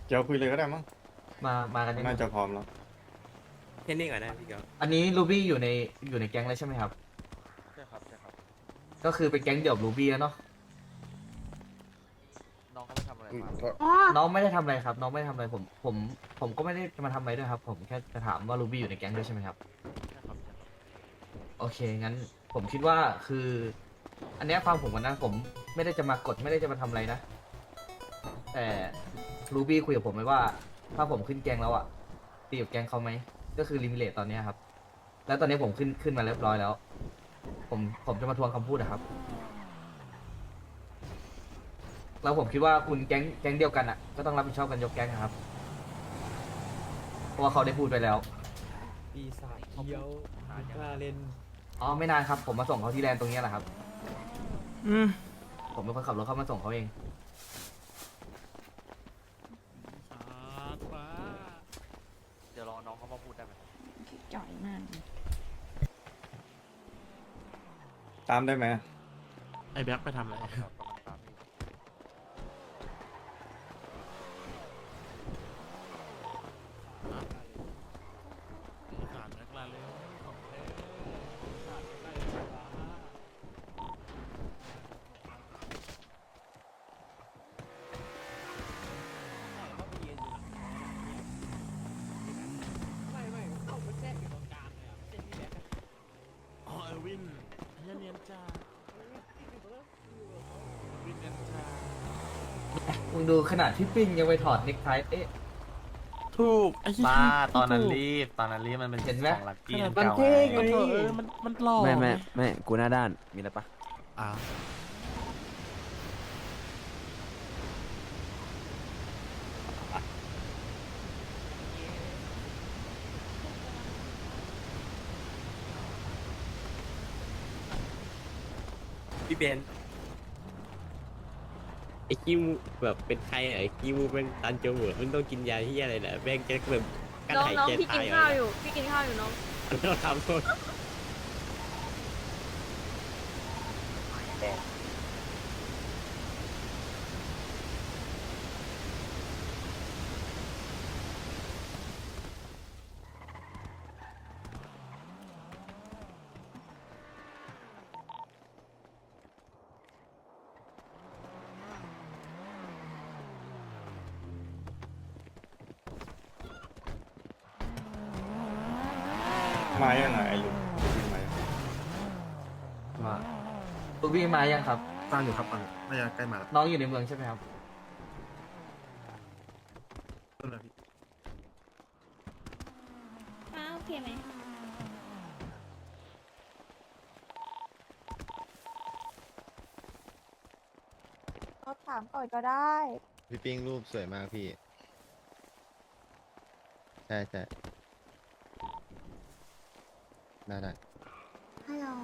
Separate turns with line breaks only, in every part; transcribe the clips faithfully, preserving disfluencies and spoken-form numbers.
เดี๋ยวคุยเลยก็ได้มั้ง
มามากันยัง
น่าจะพร้อมแล้ว
แค่นี้ก่อนนะพี่เกียว
อันนี้ลูบี้อยู่ในอยู่ในแก๊งแล้วใช่ไหมครับ
ใช่ครับใช่ครับ
ก็คือเป็นแก๊งเดี่ยวลูบี้แล้วเนาะ
น้องเขาไม่ทำอะไรมา
อ๋อ
น้องไม่ได้ทำอะไรครับ น้องไม่ได้ทำอะไรผมผมผมก็ไม่ได้จะมาทำอะไรด้วยครับ ผมแค่จะถามว่าลูบี้อยู่ในแก๊งด้วยใช่ไหมครับ
ใช่ครับใช่ครับ
โอเคงั้นผมคิดว่าคือ อันเนี้ยฟังผมก่อนนะผมไม่ได้จะมากดไม่ได้จะมาทำอะไรนะ แต่ลูบี้คุยกับผมไว้ว่า ถ้าผมขึ้นแก๊งแล้วอะตีกับแก๊งเขาไหมก็คือลิมิเลตตอนเนี้ยครับ แล้วตอนนี้ผมขึ้นขึ้นมาเรียบร้อยแล้ว ผมผมจะมาทวงคำพูดนะครับ แล้วผมคิดว่าคุณแก๊งแก๊งเดียวกันอ่ะก็ต้องรับผิดชอบกันยกแก๊งนะครับ เพราะว่าเขาได้พูดไปแล้ว
ปีศาจเขียวกล้าเล่น
อ๋อไม่นานครับ ผมมาส่งเขาที่แลนด์ตรงเนี้ยแหละครับ
อืม
ผมเป็นคนขับรถเข้ามาส่งเขาเอง
เดี๋ยวรอน้องเขามาพูดได้ไหม
จ่อยมาก
ตามได้ไหม
ไอ้แบ็คไปทำอะไร
ครับกำลังตามพี่
สารแบ็คลาเลยของแท้
ไม่ไม่เข้าไปแทรกอยู่ตรงกลางเลยอ่ะไม่ใช่พี่แบ็คอะ
อ๋อเออร์วินเฮียเนียนจ้าวินเนียนจ้า
มึงดูขนาดที่ปิ้งยังไปถอดเน็กไทเอ๊ะ
ถูกไอ้เหี้ย
บ้าตอนนั้น
ถูก
รีบตอนนั้นรีบมันเป็น
เห็นไหม
ของลักกี้
ขนาด
เก่า
เท่ไง
ไง
เออมันมันหล่อ
ไม่ไม่ไม่กูหน้าด้านมีอะไรปะ
อ้าว
พี่เบนไอ้คิวแบบเป็นใครอะไอ้คิวเป็นตันเจียวเหมือมันต้องกินยาที่อะไรนะแม่งจะแบบกั้น
น้อง
หาย
น้อง
ใจ
พี่กิ
ตาน ย
ข้าวอยู่ พี่กินข้าวอยู่น้อง
เราทำโทษ
มายังไงไอ้ลุงมายัง
มาลูบี้มายังครับ
ตั้งอยู่ครับตั้งอยู่น่าจะใกล้มาแล้ว
น้องอยู่ในเมืองใช่ไหมครับ
ต้นเลยพี่
อ้าวโอเคไหมเราถามก่อนก็ได้
พี่ปิ้งรูปสวยมากพี่ ใช่ใช่ได้ได้
ฮัลโหล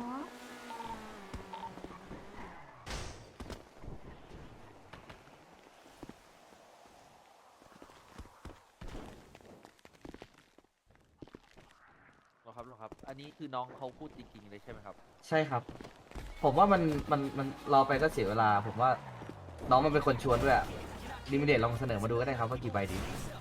หรอครับหรอครับ อันนี้คือน้องเขาพูดจริงๆเลยใช่ไหมครับ
ใช่ครับ ผมว่ามันมันมันรอไปก็เสียเวลา ผมว่าน้องมันเป็นคนชวนด้วยลิมิเดตลองเสนอมาดูก็ได้ครับว่ากี่ใบดี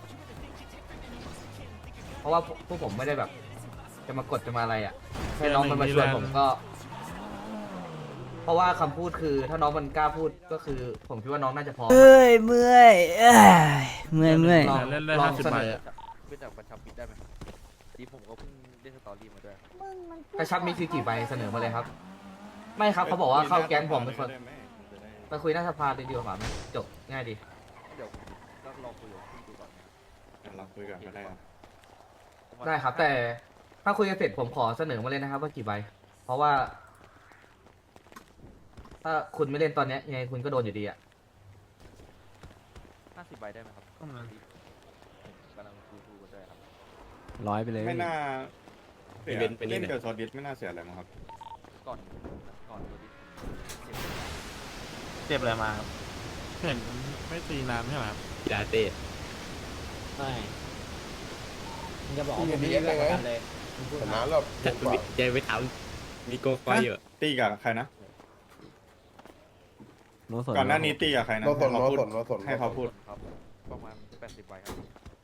เพราะว่าพวกพวกผมไม่ได้แบบ จะมากดจะมาอะไรอ่ะแค่น้องมันมาชวนผมก็ เพราะว่าคำพูดคือถ้าน้องมันกล้าพูดก็คือ ผมคิดว่าน้องน่าจะพอ
เอ้ยเมื่อยเอ้ยเมื่อยเมื่อย
ลอง
เล่นได้
ลอง
ห้าสิบ
เสน
ใบ
อ
อะ
เพื่อจากประชับมิตรได้ไหมดีผมก็เพิ่งเล่นสตอรี่มาด้วย
มึงมันพูด
กระชับมีคือกี่ใบเสนอมาเลยครับ ไม่ครับเขาบอกว่าเข้าแก๊งผมเป็นคน
ได้ไหมจะได้
ไปคุยหน้าสภาดีกว่าไหมจบง่ายดี
เดี๋ยวก็ลองคุยกับพี่ดูก่อน
เราคุยกันก็ได้ครับ
ได้ครับ แต่ถ้าคุยกันเสร็จผมขอเสนอมาเลยนะครับว่ากี่ใบ เพราะว่า ถ้าคุณไม่เล่นตอนเนี้ยยังไงคุณก็โดนอยู่ดีอะ
ห้าสิบใบได้ไหมครับ
อืม
ผมกำลังคุยดูกันด้วยครับ
ร้อยไปเลย
ไม่น่าเสีย
อีเวนต์ไปนี่
เล่น
เนี่ย
กับซอสดิสไม่น่าเสียอะไรมั้งครับ
ก่อนก่อนตัวนี้เจ็บ
เจ็บอะไรมาครับ
เห็นไม่ตีนานใช่ไหมครับ
กีฬาเต้
ไม่มึงจะบอกว่าผมไม่ได้ประกันเลยมึงพูดมา
จัดใจไปทำมีโกคอยอยู่
ตีกับใครนะ
โนสน
ก่อนหน้านี้ตีกับใครนะ
โนสน
ให้เขาพูด
โนสนโนสน
ให้เขาพูด
ครับประมาณ
แปดสิบใบครับ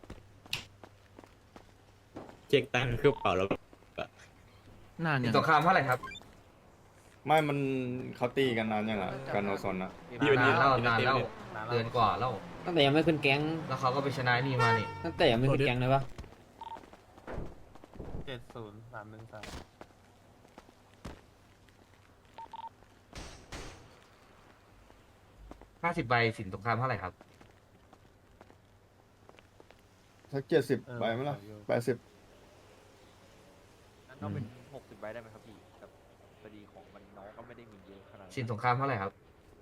เช็คตังค์กระเป๋าแล้ว
นาน
สิ
ยั
น
ง
สงครามเท่าไหร่ครับ
ไม่มันเขาตีกันนานยังอ่ะกันโนซนนะ
นานแล้วนานแล้ว
นานแล้ว
เดือนกว่าแล้ว
ตั้งแต่ยังไม่ขึ้นแก๊ง
แล้วเขาก็ไปชนะนี่มานี่
ตั้งแต่ยังไม่ขึ้นแก๊งเลยปะ
เจ็ดศูนย์สามหนึ่งสาม
ห้าสิบใบสินสงครามเท่าไหร่ครับ
สักเจ็ดสิบใบไหมล่ะแปดสิบ
งั้นเอาเป็นหกสิบใบได้ไหมครับพี่แบบพอดีของมันน้องก็ไม่ได้มีเยอะขนาดนั้น
สินสงครามเท่าไหร่ครับ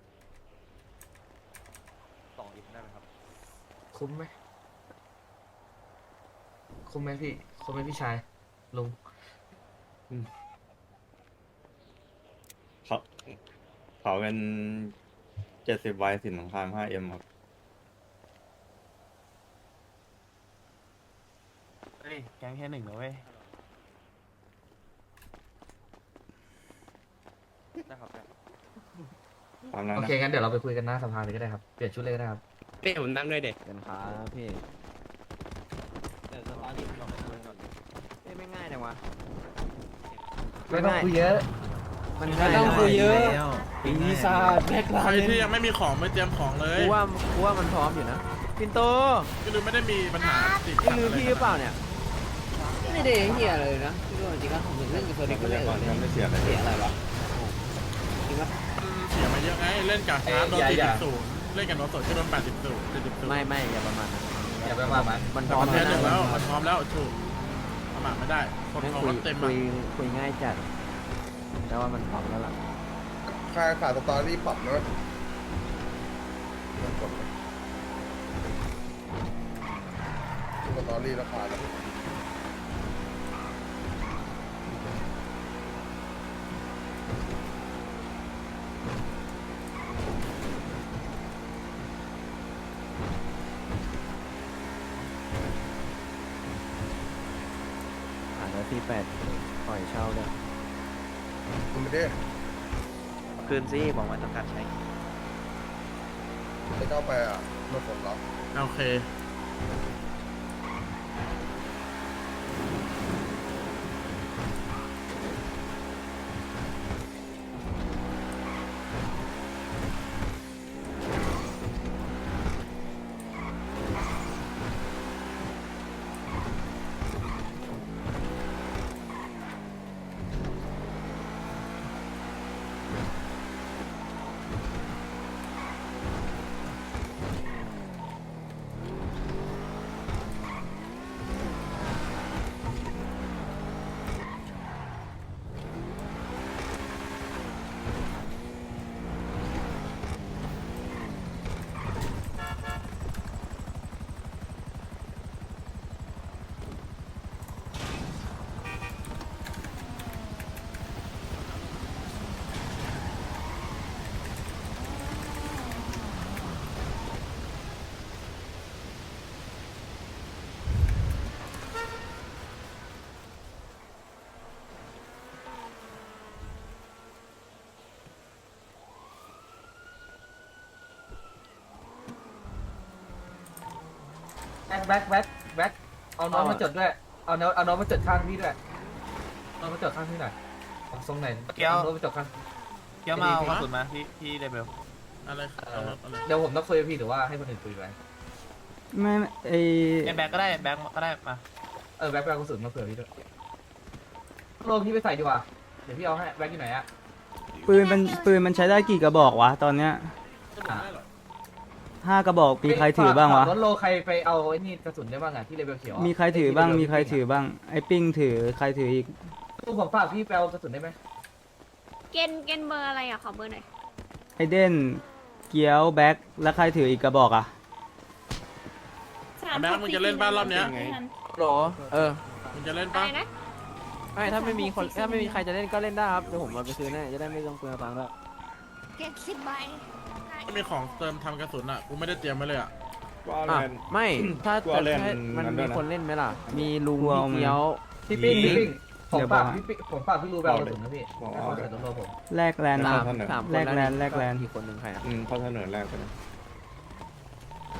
สองอิฟได้ไหมครับ
คุ้มไหมคุ้มไหมพี่คุ้มไหมพี่ชายลุง
เขาเขาเป็นเจ็ดสิบใบสินสงครามห้าเอ็มครับ
เฮ้ย แก๊งแค่หนึ่งนะเว้ย
ได้ครับได้ครับ
ตามนั้น
โอ
นะ
เคงั้นเดี๋ยวเราไปคุยกันหน้าสภาเลยก็ได้ครับเปลี่ยนชุดเลยก็ได้ครับ
เป้ผมนั่งด้วยเด็ก
กันครับพี่
แต่สตาร์ทที่เราไปคุยก่อน
ไม่ง่ายจังวะ
ไม่ต้องคุยเยอะ
มัน
ไม่ต้องคุยเยอะปีศาจแบกลา
ใคร
เล
ที่
น
ยังไม่มีของไม่เตรียมของเลย
กูว่ากูว่ามันพร้อมอยู่นะปินโต
พี่ลืมไม่ได้มีปัญหาติด
นี่ลืมพี่หรือเปล่าเนี่ย
ไม่ได้เฮียเลยนะพี่รู้จริงๆแล้วผมถึงเล่นกับเฟอร์
ท
นิ
รั
ก
พ
ก็เล่น
ยากรยังไม่เสียอะไรเล
เสี
ย
ยอะไรวะจริงปะ
มันเสียมาเยอะไงเล่นกับฮาร์ดโดนสี่สิบศูนย์เล่นกับโนโตะที่โดนแปดสิบศูนย์เจ็ดสิบศูนย์
ไม่ไม่อย่าประมาณนั้น
อย่าไปว่ามัน
มันพ
แต่
ร้อม
มันเท
แล้
ส
ว
หนึ่งแล้ว
นะ
มันพร้อมแล้วถูกประมาทไม่ได้คน
แม่ง
เขา
คุ
ก็
ย
เต็ม
คุ
อ่ะ
ยคุยง่ายจัดแต่ว่ามันพร้อมแล้วล่ะ
ค่าขาดสตอรี่ปรับนะสตอรี่ราคาแล้ว
หาแล้วที่แปดปล่อยเช่าเลย
คุณไม่ได้
คืนซิบอกว่าต้องการใช้
จะเข้าไปอ่ะมาผลลัพธ์
โอเค
แบ็คแบ็คแบ็คแบ็คเอาน้องมาจดด้วยเอาน้องเอาน้องมาจดข้างพี่ด้วยน้องมาจดข้างพี่หน่อยเอาทรงไหน
เกียว
เอาน้องมาจดข้าง
เกี่ยวมาเอากระสุนมาพี่พี่เลเบล
อะไร
เอ
เอา
อ
มาเอาเลย
เดี๋ยวผมต้องคุยกับพี่หรือว่าให้คนอื่นคุยไป
ไม่ไม่ไอ
เอ็มแบ็กก็ได้แบ็กก็ได้มา
เออแบ็คไปเอากระสุนมาเผื่อพี่ด้วยโลพี่ไปใส่ดีกว่าเดี๋ยวพี่เอาให้แบ็คอยู่ไหนอะ
ปืนมันปืนมันใช้ได้กี่กระบอกวะตอนเนี้ย
จะบอกได้เหรอ
ห้ากระบอกมีใครถือบ้างวะ
รถโลใครไปเอาไอ้นี่กระสุนได้บ้างอะที่เลเวลเขียวอะ
มีใครถือบ้างมีใครถือบ้างไอปิ้งถือใครถืออีก
ตู้ผมฝากพี่ไปเอากระสุนได้ไหม
เกณฑ์เกณฑ์เบอร์อะไรอ่ะ ขอเบอร์หน่อย
ไอเด่นเกียวแบ็คแล้วใครถืออีกกระบอกอ่ะ
อ่ะแบงค์มึงจะเล่นบ้านรอบเนี้ย
โหรเออ
มึงจะเล่น
อะ
ปะ
ไรนะ
ไม่ถ้าไม่มีคนถ้าไม่มีใครจะเล่นก็เล่นได้ครับเดี๋ยวผมเอาไปซื้อแน่จะได้ไม่ต้องเปลืองตังค์ด้วย
เกณฑ์สิบใบ
ไม่มีของเติมทำกระสุนอ่ะกูไม่ได้เตรียมไว้เลยอ่ะ
ก็เอา
อ่ะ
แลนด์
ไม่ถ้า
กูเอาเล่น
ให้มัน
นั้นด้
มี
วยนะ
คนเล่นไหมล่ะ มีลุง
กูเอา
พี่เกียว
พี่ปิ้งพี่ปิ้งผม
เดี๋ยว
ฝาก
บอก
พี่ปิ้งผมฝากพี่รู้ไปเอากระสุนนะพี่
บอก
ให้
เอา
เขาใส่รถโลผม
แลกแลนด์
ได้
มา
สามสามคน
แลกแลนด์
ว
แลกแลนด์
อีกคนหนึ่งใครอ่ะ
อืมเขาเสนอแรกไปเลย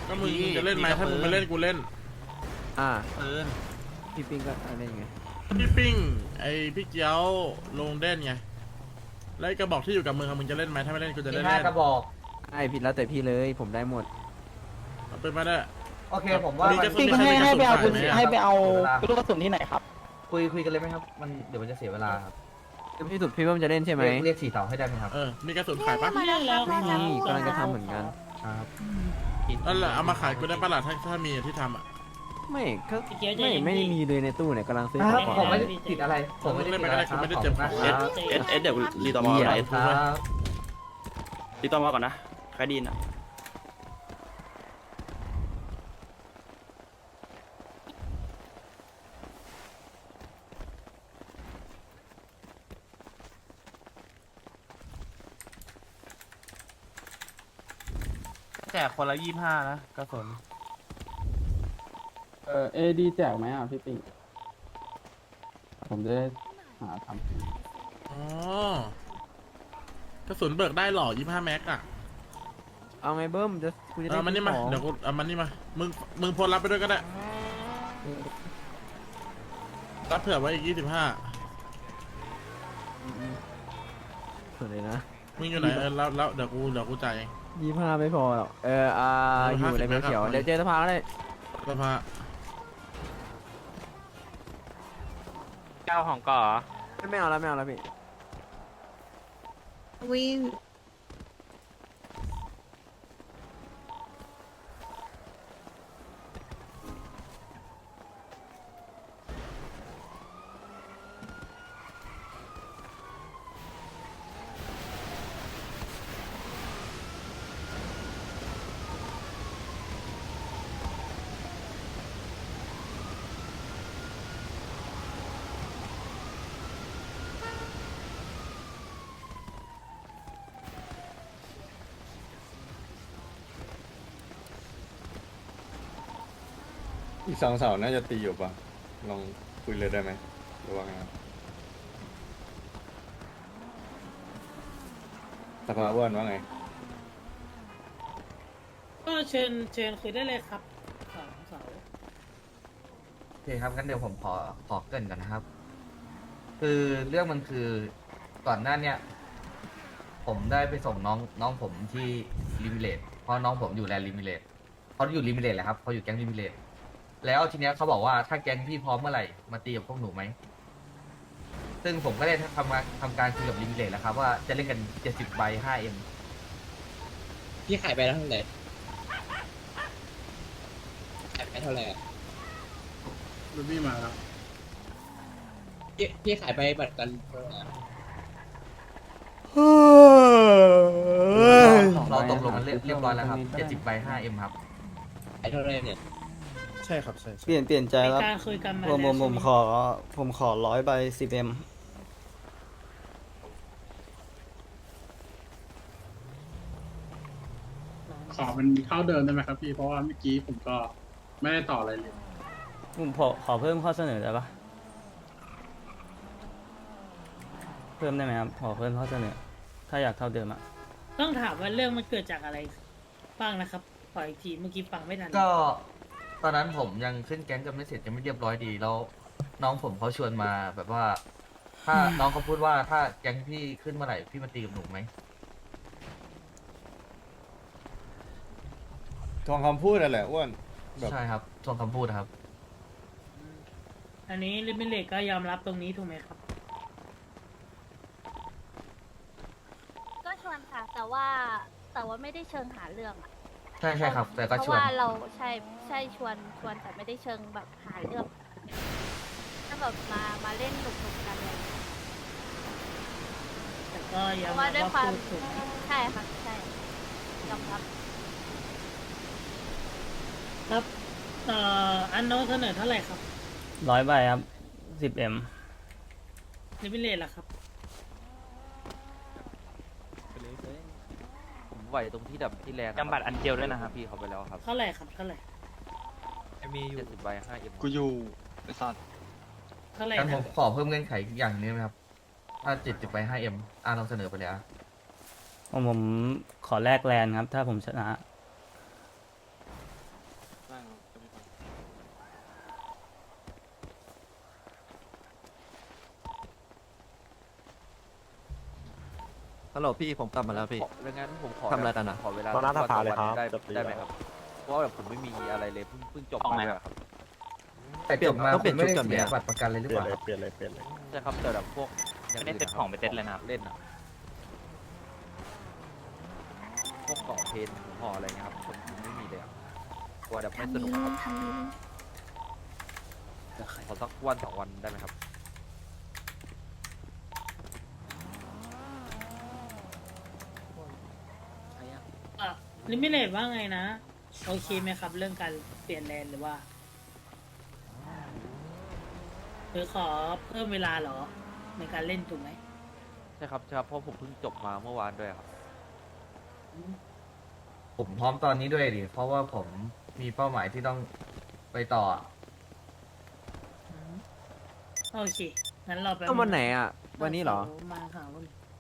ก็มึงมึงจะเล่นไหมถ้ามึงไม่เล่นกูเล่น
อ่า
ปืน
พี่ปิงก็อะไรไง
พี่ปิ้งไอพี่เจียวลงเด่นไงแล้วไอ้กระบอกที่อยู่กับมึงอะมึงจะเล่นไหมถ้าไม่เล่นกูจะ
มี
เล่น
ห้า
เล่น
กระบอก
ไอพี่แล้วแต่พี่เลยผมได้หมด
เอาเป็นมาได้
โอเคผมว่า
มี
มัน
กระสุนให้ให้ไปเอาปืน
ให้ไปเอา
ลูกกระสุนที่ไหนครับ
คุยคุยกันเลยไหมครับ มันเดี๋ยวมันจะเสียเวลาครับ
พี่สุดพี่ว่ามันจะเล่นใช่ไหม
เรียกเรียกสี่เต่าให้ได้ไหมครับ
เออมีกระสุนขายปะ
มาแล้วครับ
ไม่มีกำลังจะทำเหมือนกัน
ครับ
นั่นแหละเอามาขายกูได้ปะล่ะถ้าถ้ามีที่ทำอ่ะ
ไม่ก็ไม่ไม่ได้มีเลยในตู้เนี่ยกำลังซื้อ
ค
ข
รั
อบ ง
ผมไม่ได้ติดอะไร ผมไม่ได้ติดอะไรครับ
ไม่ได้เจ็บ
ขอบคุณมากครับ
เอสเอสเดี๋ยวรีตอมอ
เยี่ย
ไหน
มครับ
รีตอมอก่อนนะใครดีนอ่ะ
แจกคนละยี่ห้านะกระสุน
เออเอดีแจกไหมอ่ะพี่ปิงผมจะได้หาทำ
อ๋อกระสุนเบิกได้หรอยี่ห้าแม็กอะ
เอาไงเบิ้มจะกูจะได้
เอามันนี่มา
ของ
เดี๋ยวกูเอามันนี่มามึงมึงโพลรับไปด้วยก็ได้รับเผื่อไว้อีกยี่สิบห้า
ส่วนเลยนะ
มึงอยู่ไหนเออแล้วแล้วเดี๋ยวกูเดี๋ยวกูจ่ายเอง
ยี่ห้าไม่พอหรอกเอออ่า
เออ
อยู่ใน
ห้าสิบ
เบลเขียว
นะครับ
เดี๋ยวเจอสภาก็ได้
สภา
เก้าของก่อ
ไม่เอาแล้วไม่เอาแล้วพี่
วิ่ง
อีกสองเสาน่าจะตีอยู่ปะลองคุยเลยได้ไหมหรือว่าไงครับสภาอ้วนว่าไง
ก็เชิญเชิญคุยได้เลยครับสองเสา
โอเคครับงั้นเดี๋ยวผมขอขอเกรินก่อนนะครับ คือเรื่องมันคือก่อนหน้าเนี้ยผมได้ไปส่งน้องน้องผมที่ลิมิเลตเพราะน้องผมอยู่แลนด์ลิมิเลตเขาอยู่ลิมิเลตแหละครับเขาอยู่แก๊งลิมิเลตแล้วทีเนี้ยเขาบอกว่าถ้าแก๊งพี่พร้อมเมื่อไหร่มาตีกับพวกหนูไหมซึ่งผมก็ได้ทำมาทำการคุยกับลิมิเลตแล้วครับว่าจะเล่นกันเจ็ดสิบใบห้าเอ็ม
พี่ขายไปแล้วเท่าไหร่ขายไปเท่าไหร่
รูบี้มาแล้ว
พี่พี่ขายไปบัตรกันเท่าไหร่
เราตกลงกันเรียบเรียบร้อยแล้วครับเจ็ดสิบใบห้าเอ็มครับ
ขายเท่าไหร่เนี่ย
ใช่ครับใช่
เปลี่ยนเปลี่ยนใจครับ
การคุยกัน
ผมผมผมขอผมขอร้อยใบสิบเอ็ม
ขอเป็นเท่าเดิมได้ไหมครับพี่เพราะว่าเมื่อกี้ผมก็ไม่ได้ต่ออะไรเลย
ผมขอขอเพิ่มข้อเสนอได้ปะเพิ่มได้ไหมครับขอเพิ่มข้อเสนอ ถ้าอยากเท่าเดิมอะ
ต้องถามว่าเรื่องมันเกิดจากอะไรบ้างนะครับขออีกทีเมื่อกี้ฟังไม่ทัน
ก็ตอนนั้นผมยังขึ้นแก๊งกันไม่เสร็จยังไม่เรียบร้อยดีแล้วน้องผมเขาชวนมาแบบว่า ถ้าน้องเขาพูดว่าถ้าแก๊งพี่ขึ้นเมื่อไหร่พี่มาตีกับหนูไหม
ทองคำพูดอะไรอ้วนแบบ
ใช่ครับทวงคำพูดครับ
อันนี้ลิมิเลตก็ยอมรับตรงนี้ถูกไหมครับ
ก็ชวนค่ะ แต่ว่าแต่ว่าไม่ได้เชิงหาเรื่องอะ
ใช่ใช่ครับ แต่ก็
เพ
ช
ราะ
วน
ว่าเราใช่ใช่ชวนชวนแต่ไม่ได้เชิงแบบหาเรื่องถ้าแบบมามาเล่นหนุกๆกันเลย
แต่ก็
เพ
ยอม
ราะ
รั
ว่า
บ
ด้วยคาม
ว่าวพูดถูก
ใช่ค่ะใช่ยอมรับ
ครับเอ่ออันโน้ตเสนอเท่าไหร่ครับ
ร้อยใบครับสิบเอ็ม
ลิมิเลตล่ะครับ
ผมไหวตรงที่ดับที่แรง
จำบัตรอันเจลด้วยนะครับพี่เขาไปแล้วครับ
เท่าไหร่ครับเท่าไหร่
มีอยู่
เจ็ดสิบใบห้าเอ็ม
กูอยู่ไอ้สัตว์
เท่าไหร่
งั้นผ
นะ
มขอเพิ่มเงื่อนไขอีกอย่างหนึงได้ไหมครับ ถ้าเจ็ดสิบไปห้าเอ็มอ่าลองเสนอไปเลยอ่ะ
ผมผมขอแลกแลนครับ ถ้าผมชนะ
โหลพี่ผมกลับมาแล้วพี่
ดังนั้นผมขอ
ทำอะไรกันอะ
ขอเวลา
ตอนนั้นถ้าพาเลยครับ
ได้
จะตี
ได้ไหมครับ เพราะว่าแบบผมไม่มีอะไรเลยเพิ่งเพิ่งจบมาเลยครับ
แต่จบมา
ต้องเปลี่ยน
คุณไม่ได้
ชุดก่อนไหม
เสีย
อะ
บัตรประกันเลยหรือ
เปลี่
เป
ยน
ล่า
เลยเปลี่ยนเลยเปลี่ยนเลย
ใช่ครับแต่แบบพวกไม่ได้เซ็ตของไปเซ็ตเลยนะเล่นอะพวกก่อเพนห่ออะไรเงี้ยครับผมไม่มีเลยอะกลัวแบบไม่สนุกครับขอสักวันสองวันได้ไหมครับ
ลิมิเลตว่าไงนะ โอเคไหมครับ เรื่องการเปลี่ยนแลนหรือว่าหรือขอเพิ่มเวลาเหรอ ในการเล่นถูกไหม
ใช่ครับใช่ครับเพราะผมเพิ่งจบมาเมื่อวานด้วยครับ
ผมพร้อมตอนนี้ด้วยดิเพราะว่าผมมีเป้าหมายที่ต้องไปต่อ
โอเค งั้นเราไป
ก็วันไหนอ่ะ วันนี้เหรอ
มาหาวัน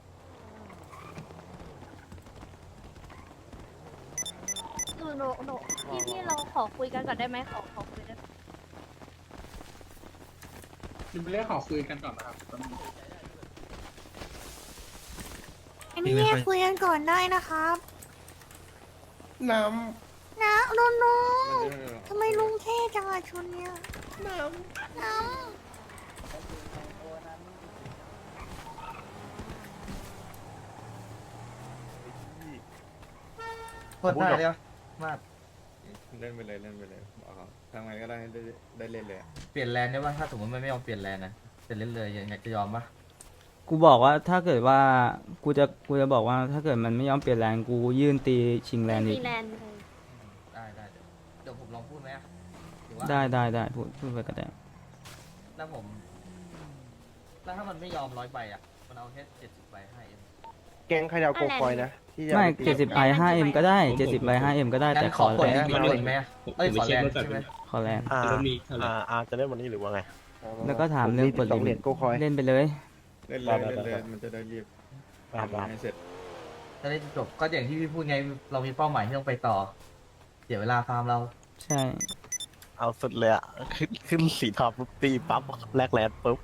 หนูหนูหนูพี่พี่เราขอคุยกันก่อนได้ไหมขอขอคุยได้ไหม
เป็นเรื่องขอคุยกันก่อนนะครับ
อันนี้แยกคุยกันก่อนได้นะครับ
น้
นะลุงลุงทำไมลุงเท่จังอะชุดเนี้ยน้ำน้
โคตรได้เลยมาก
เล่นไปเลยเล่นไปเลยบอกเขาทำไงก็ได้ให้ได้ได้เล่นเลยอะ
เปลี่ยนแลนได้ป่ะถ้าสมมติมันไม่ยอมเปลี่ยนแลนนะจะเล่นเลยอยากจะยอมปะ
กูบอกว่าถ้าเกิดว่ากูจะกูจะบอกว่าถ้าเกิดมันไม่ยอมเปลี่ยนแรงกูยื่นตีชิง
ำ
แลนด์อี
มี
ก
แลนด์เลย
ได้ได้เดี๋ยวเดี๋ยวผมลองพูดไหมอะหรือว่า
ได้ได้ได้พูดพูดไปก็ได้
แล้วผม แล้วถ้ามันไม่ยอมร้อยใบอ่ะ มันเอาแค่เจ็ดสิบใบให้เอง
ำแกงขยาวโกคอยนะ ที่จะ
ไม่เจ็ดสิบไอห้าเอ็มก็ได้เจ็ดสิบไอห้าเอ็มก็ได้แต่ขอ
ขอ
แล
คน
นด์
ดีๆหน่อยไหมอะเอ้ยขอแลนด์ใช่ไหม
ขอแลนด์
อ่าอ่าอ่าจะเล่นวันนี้หรือว่าไง
แล้วก็ถามเรื่องเปิด
สองเหรี
ลิ
ย
มิ
ญ
ต
โกคอย
เล่นไปเลย
เล่นเลย
ได้
เล่น
ได้
เลย
ได้
มันจะได้รีบ
ครับ
ทำให้เสร็จ
จะได้จบก็อย่างที่พี่พูดไง เรามีเป้าหมายที่ต้องไปต่อ เสียเวลาฟาร์มเรา
ใช่
เอาสุดเลยอ่ะ ขึ้นขึ้นสีทองปุ๊บตีปั๊บแลกแลนด์ปุ๊บ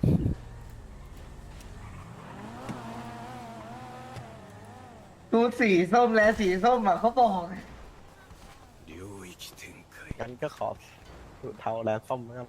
ดูสีส้มแล้วสีส้มอ่ะเขาบอก
งั้นก็ขอเทาแลนด์ส้มนะครับ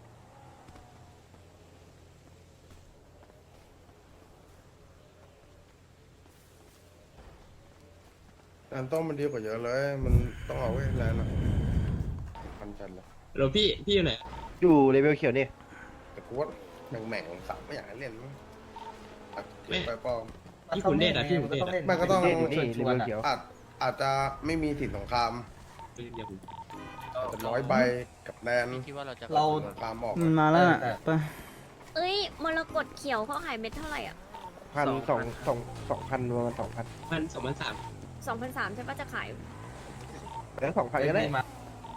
แลนด์ส้มมันดีกว่าเยอะเลย มันต้องเอาไว้แลนด์อะมันจัดเลย
เราพี่พี่อยู่ไหน
อยู่เลเวลเขียวนี่แต่กูว่าแม่งแม่งๆสับไม่อยากให้เล่นมั้งตัดเก็บไปป้อม
พี่คุณเดชอะพี่คุณเดชอะ
มันก็ต้อง
ชวนชวนๆอะ
อาจอาจจะไม่มีสินสงคราม
เดี๋ยวผม
อาจจะร้อยใบกับแลนด์
คิดว่าเราจะ
เรา
สงครามออก
มันมาแล้วน่ะ
เออ
ไป
เอ้ยมรกตเขียวเขาขายเม็ดเท่าไหร่อ่ะ
พันสองสองสองพันประมาณสองพัน
พันสองพันสาม
สองพันสามใช่ปะจะขาย
แล้วสองพันก็ได้
มา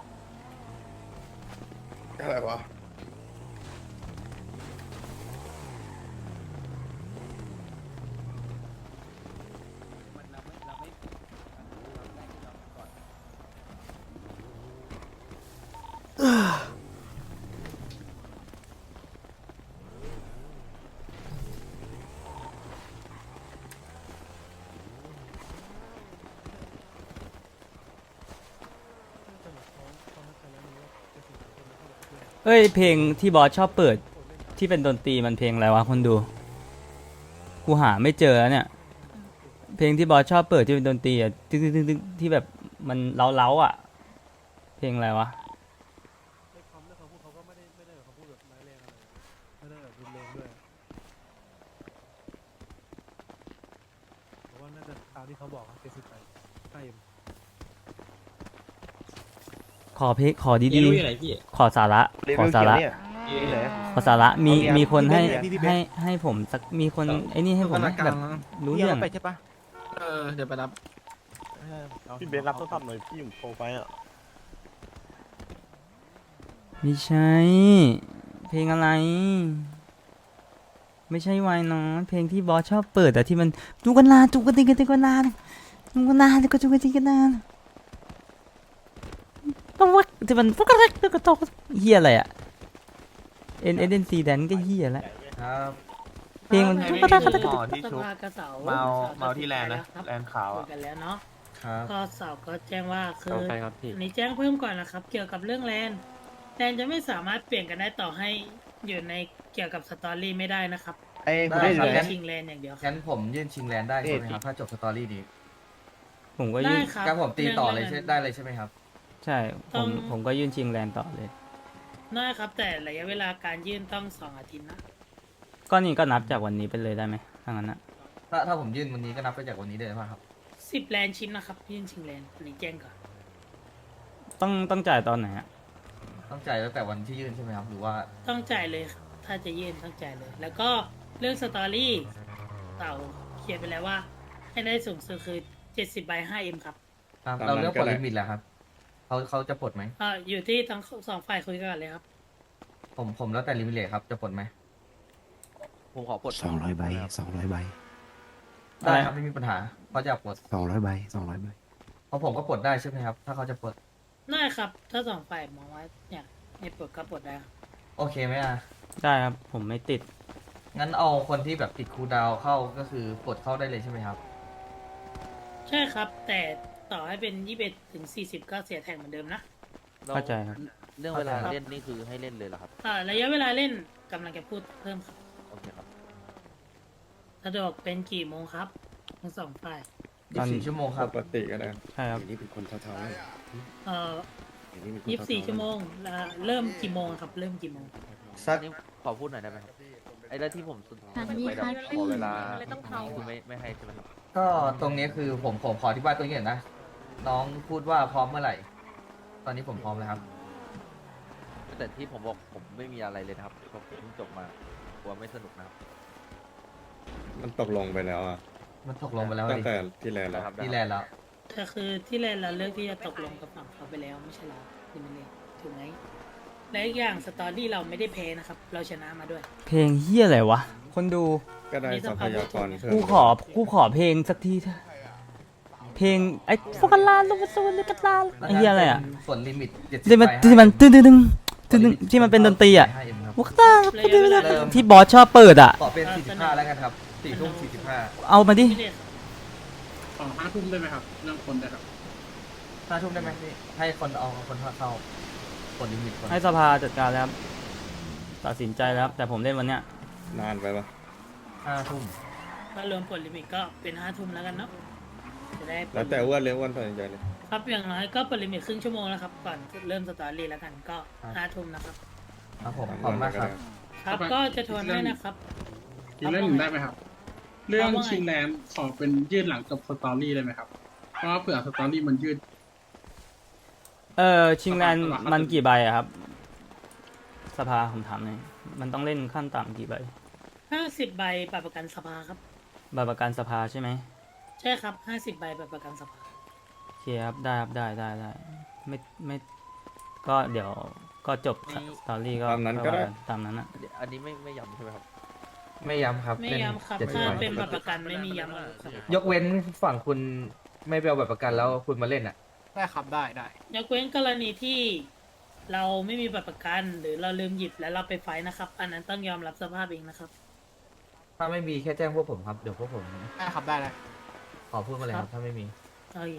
อะไรวะ
เอ้ยเพลงที่บอสชอบเปิดที่เป็นดนตรีมันเพลงอะไรวะคนดู กูหาไม่เจอแล้วเนี่ย เพลงที่บอสชอบเปิดที่เป็นดนตรีอ่ะตึ๊กตึ๊กตึ๊กตึ๊กที่แบบมันเล้าๆอ่ะ เพลงอะไรวะ ขอเพลงขอ
พี่
ดี
รู้อยู่ไหนพี่
ๆ ขอสาระ
เล
ขอ
เวล
สา
เขียว
ระ
เนี่ยที่ไหน
ขอสาระมี
เอาอย่าง
มีคนให้
พี่พี่เบน
ให้ให้ผมสักมีคนไอ้นี่ให้ผมแบบรู้เรื่อง
ไปใช่ปะ
เออ เดี๋ยวไปรับ
พี่เบนรับโทรศัพท์หน่อยพี่ผมโทรไปอ่ะ
ไม่ใช่ เพลงอะไร ไม่ใช่วายน้อยเพลงที่บอสชอบเปิดแต่ที่มันจุกันนานจุกันติกันติกันนานจุกันนานก็จุกันติกันนานต้องวักที่มันฟุกกระเรกกระตกเฮียอะไรอะเอ็นเอ็นซีแดนก็เฮียแล้ว
ครับ
เพลงมัน
ไอ้
ก็
นี่
ได้ก็ได้
คือหมอที่ชุบ
สภากระเสา
เมา
ส
เมาที่แลนด์นะ
ครับ
แลนด์ขาว
คุ
อะ
ยกันแล้วเนาะ
ครับ
ก็เสาก็แจ้งว่าคือ
เอาไปครับพี่
อันนี้แจ้งเพิ่มก่อนนะครับ เกี่ยวกับเรื่องแลนด์แลนด์จะไม่สามารถเปลี่ยนกันได้ต่อให้อยู่ในเกี่ยวกับสตอรี่ไม่ได้นะครับ
ไอ้
ได้
คุณ
ครั
ได้
บ
เลย
ชิงแลนด์อย่างเดียวครับ
งั้นผมยื่นชิงแลนด์ได้ใช่ไหมครับ ถ้าจบสตอรี่นี้
ผมก็
ได้
ยื่น
ครับ
งั้นผมตีต่อเลย
รื่
ใช่
ง
ได้เลยใช่ไหมครับ
ใช่ ผ
ต้
ม
อง
ผมก็ยื่นชิงแลนด์ต่อเลย
ได้ครับ แต่ระยะเวลาการยื่นต้องสองอาทิตย์นะ
ก็นี่ก็นับจากวันนี้ไปเลยได้ไหมถ้างั้นนะ
ถ้าถ้าผมยื่นวันนี้ก็นับไปจากวันนี้เลยป่ะครับ
สิบแลนด์ชิ้นนะครับ ยื่นชิงแลนด์อันนี้แจ้งก่อน
ต้องต้องจ่ายตอนไหนอะ
ต้องจ่ายตั้งแต่วันที่ยื่นใช่ไหมครับ หรือว่า
ต้องจ่ายเลยครับถ้าจะยื่นต้องจ่ายเลย แล้วก็เรื่องสตอรี่เต่าเขียนไปแล้วว่า ให้ได้สูงสุดคือเจ็ดสิบใบห้าเอ็มครับ
ครับ
ตาม
เรา
นั้น
เรื่อง
ก็
ปลด
ได้
ลิมิตแล้วครับเขาเขาจะปลดไหม
อ่าอยู่ที่ทั้งสองฝ่ายคุยกันเลยครับ
ผมผมแล้วแต่ลิมิตเลยครับ จะปลดไหม
ผมขอปลด
สองร้อยใบสองร้อยใบ
ได้ครับไม่มีปัญหาเขาจะปลด
สองร้อยใบสองร้อยใบ
เพราะผมก็ปลดได้ใช่ไหมครับ ถ้าเขาจะปลด
ได้ครับ ถ้าสองฝ่ายมองว่าเนี่ยให้ปลดก็ปลดได้ครับ
โอเคไหมอ่ะ
ได้ครับ ผมไม่ติด
งั้นเอาคนที่แบบติดคูลดาวน์เข้าก็คือปลดเข้าได้เลยใช่ไหมครับ
ใช่ครับ แต่ต่อให้เป็นยี่สิบเอ็ดถึงสี่สิบก็เสียแท็กเหมือนเดิมนะ
เข้าใจครับ
เรื่องเวลาเล่นนี่คือให้เล่นเลยเหรอครับ
อ่าระยะเวลาเล่นกำลังจะพูดเพิ่มครับ
โอเคครับ
สะดวกเป็นกี่โมงครับทั้งสองฝ่าย
ตอน
ยี่สิบสี่ชั่วโมงครับ
ปกติก็ได้
ใช่ครับ
นี่เป็นคนเท่าๆเลย
เอ่อยี่สิบสี่ชั่วโมงแล้วเริ่มกี่โมงครับ เริ่มกี่โมง
สัก
นี่ขอพูดหน่อยได้ไหมครับ ไอ้เรื่องที่ผมสุด
อันนี้
ไปแบบ
ค่ะ
ขอเวลา
เลยต้องเทา
คือไม่ไม่ให้ใช่ไหมครับ
ก็ตรงนี้คือผมผมขออธิบายตรงนี้หน่อยนะ น้องพูดว่าพร้อมเมื่อไหร่ ตอนนี้ผมพร้อมแล้วครับ
แต่ที่ผมบอกผมไม่มีอะไรเลยนะครับผมเพิ่งจบมากลัวไม่สนุกนะครับ
มันตกลงไปแล้วอ่ะ
มันตกลงไปแล้ว
ตั้ง
ดิ
แต่ที่แล้ว
นะครับ
ที่แลนด์แล้ว
แต่คือที่แรกเราเลือกที่จะตกลงกับฝั่งเขาไปแล้วไม่ใช่เหรอคุณมิเลถูกไหมและอีกอย่างสตอรี่เราไม่ได้แพ้นะครับ เราชนะมาด้วย
เพลงเฮียอะไรวะ คนดู
ก็ได้ทรัพยากรเพิ่ม
กูขอ กูขอเพลงสักทีเถอะเพลงไอ้ฟกลาลูกซูนกลาไอ้เฮียอะไรอ่ะ
ส่วนลิมิตเจ็ดสิบ
ที่มันที่มันตึ้งตึ้งตึ้งตึ้งตึ้งที่มันเป็นดนตรีอ่ะ
ห้าเอ็มครับ
วกตา
ระยะเวลา
ที่บอสชอบเปิดอ่ะ
ขอเป็นสี่สิบห้าแล้วกันครับสี่ทุ่มสี่สิบห้า
เอามาดิ
ไม่ได้ครับ
สองห้าทุ่มได้ไหมครับ เรื่องคนได้ครับ
ห้าทุ่มได้ไหมพี่ให้คนเอาคนเข้าปลดลิมิตก่อน
ให้สภาจัดการแล้วครับตัดสินใจแล้วครับแต่ผมเล่นวันเนี้ย
นานไปปะ
ห้าทุ่ม
ถ้ารวมผลลิมิตก็เป็นห้าทุ่มแล้วกันเนาะจะได้
แล้วแต่อ้ว่าเลี้ยงอ้วันตัดสินใจเลย
ครับอย่างน้อยก็ผลลิมิตครึ่งชั่วโมงแล้วครับ ก่อนเริ่มสตอรี่แล้วกันก็ห้าทุ่มนะครับ
ครับผมขอบคุณมากครับ
ครับก็จะทวนให้นะครับ
อีกเรื่องหนึ่งได้ไหมครับ เรื่องชิงแลนด์ขอเป็นยืดหลังจบสตอรี่ได้ไหมครับ เพราะว่าเผื่อสตอรี่มันยืด
เออชิงแลนด์มันกี่ใบอะครับ สภาผมถามหน่อยมันต้องเล่นขั้นต่ำกี่ใบ
ห้าสิบใบบัตรประกันสภาครับ
ใบประกันสภาใช่ไหม
ใช่ครับห้าสิบใบบัตรประกันสภา
โอเคครับได้ครับได้ได้ได้ไม่ไม่ก็เดี๋ยวก็จบสตอรี่ก็
ตามนั้นก็ได้
ตามนั้นอะ
อันนี้ไม่ไม่ย้ำใช่ไหมครับ
ไม่ย้ำครับ
ไม่
เล่น
ย้ำครับ
เจ็ดสิบ
ถ้า
ใบ
เป็นบัตรประกันไม่มีย้ำครับ
ยกเว้นฝั่งคุณไม่ไปเอาบัตรประกันแล้วคุณมาเล่นอ่ะ
ได้ครับ ได้ได้
ยกเว้นกรณีที่เราไม่มีบัตรประกัน หรือเราลืมหยิบแล้วเราไปไฟท์นะครับ อันนั้นต้องยอมรับสภาพเองนะครับ
ถ้าไม่มีแค่แจ้งพวกผมครับ เดี๋ยวพวกผม
ได้ครับ ได้เลย
ขอพูดมาเลยครับ ถ้าไม่มี
โอเค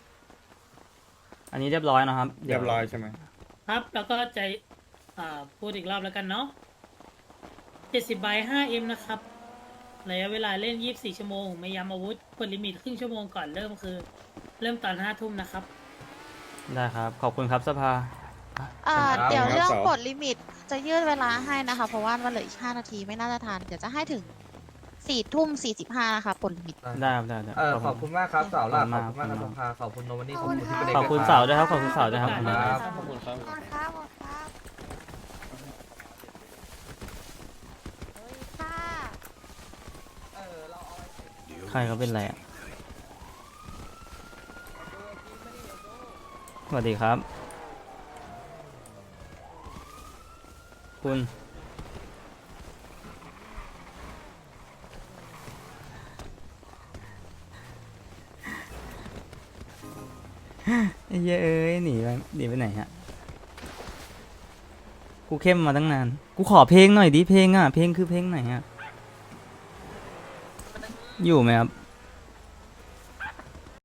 อันนี้เรียบร้อยนะครับ
เรียบร้อยใช่ไหม
ครับ แล้วก็จะอ่าพูดอีกรอบแล้วกันเนาะเจ็ดสิบใบห้าเอ็มนะครับระยะเวลาเล่นยี่สิบสี่ชั่วโมง ไม่ย้ำอาวุธกดลิมิตครึ่งชั่วโมงก่อนเริ่มคือ เริ่มตอนห้าทุ่มนะครับ
ได้ครับขอบคุณครับสภา
อ่า
ครับ
เดี๋ยว
ครับ
เรื่อง
เสาร์
ปลดลิมิตจะยืดเวลาให้นะคะ เพราะว่ามันเหลืออีกห้านาทีไม่น่าจะทัน เดี๋ยวจะให้ถึงสี่ทุ่มสี่สิบห้านะคะปลดลิมิต
ได้ครับได้ได้
เออขอบคุณมากครับสาวล่าข
ข
อ
อ
บบ
คุ
คุณ
ณ
มากครับ
มาก
สภาขอบคุณโนวันนี่
ข
ข
อ
อ
บบ คุ
คุณ ณ
ค่ะ
ที่
ขอบคุณเสาด้วยครับขอบคุณเสาด้วยครับ
ครับ
ขอบคุณครับขอบคุณครับค่ะ
ใครเขาเป็นอะไรอ่ะสวัสดีครับ คุณไอ้เหี้ยเอ้ยหนีไปหนีไปไหนฮะกูเข้มมาตั้งนาน กูขอเพลงหน่อยดิเพลงอ่ะเพลงคือเพลงไหนอ่ะอยู่ไหมครับ